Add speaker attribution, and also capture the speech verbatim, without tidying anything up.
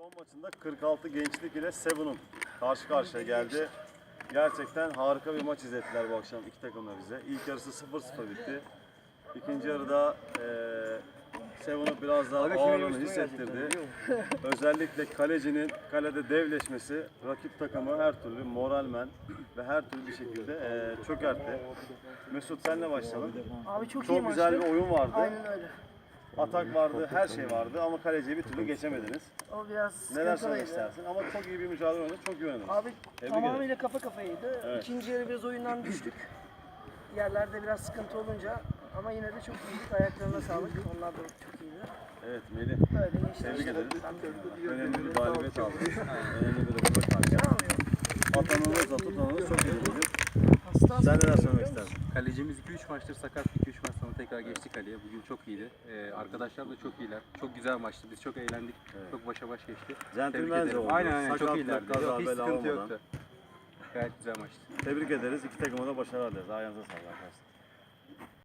Speaker 1: Son maçında kırk altı Gençlik ile Seven'un karşı karşıya geldi. Gerçekten harika bir maç izlettiler bu akşam iki takım da bize. İlk yarısı sıfır sıfır bitti. İkinci yarıda e, Seven'u biraz daha ağırlığını hissettirdi. Özellikle kalecinin kalede devleşmesi rakip takımı her türlü moralmen ve her türlü bir şekilde e, çökertti. Mesut senle başlayalım.
Speaker 2: Abi çok, iyi
Speaker 1: Çok güzel
Speaker 2: maçtı.
Speaker 1: bir oyun vardı.
Speaker 2: Aynen öyle.
Speaker 1: Atak vardı, her şey vardı ama kaleciyi bir türlü geçemediniz.
Speaker 2: O biraz
Speaker 1: Neler söylemek
Speaker 2: sıkıntılıydı.
Speaker 1: istersin? Ama çok iyi bir mücadele oynadı, çok iyi oynadınız.
Speaker 2: Abi
Speaker 1: Tebrik
Speaker 2: tamamıyla
Speaker 1: ederim.
Speaker 2: kafa kafaydı.
Speaker 1: Evet.
Speaker 2: İkinci yarı biraz oyundan düştük. Yerlerde biraz sıkıntı olunca ama yine de çok iyiydik. Ayaklarına sağlık. Onlar da çok iyiydi.
Speaker 1: Evet Melih,
Speaker 2: Böyle gençler
Speaker 1: tebrik
Speaker 2: işte.
Speaker 1: ederiz.
Speaker 2: Ben de-
Speaker 1: Önemli bir galibiyet aldınız. Önemli bir röportaj. Atanınızla tutanınız çok iyi dedi.
Speaker 2: Hasta
Speaker 1: Sen neler söylemek istersin?
Speaker 3: Kalecimiz iki üç maçtır sakat. iki üç maç sonra tekrar geçti kaleye. Bugün çok iyiydi. Ee, arkadaşlar da çok iyiler. Çok güzel maçtı. Biz çok eğlendik.
Speaker 1: Evet.
Speaker 3: Çok başa baş geçti.
Speaker 1: Centilmence
Speaker 3: Tebrik ederim.
Speaker 1: oldu.
Speaker 3: Aynen aynen çok
Speaker 1: Sakatlık,
Speaker 3: iyilerdi.
Speaker 1: kaza,
Speaker 3: Yok, hiç
Speaker 1: bela
Speaker 3: sıkıntı
Speaker 1: olmadan.
Speaker 3: yoktu. Gayet güzel maçtı.
Speaker 1: Tebrik ederiz. İki takıma da başarılar dileriz. Ayağınıza sağlık arkadaşlar.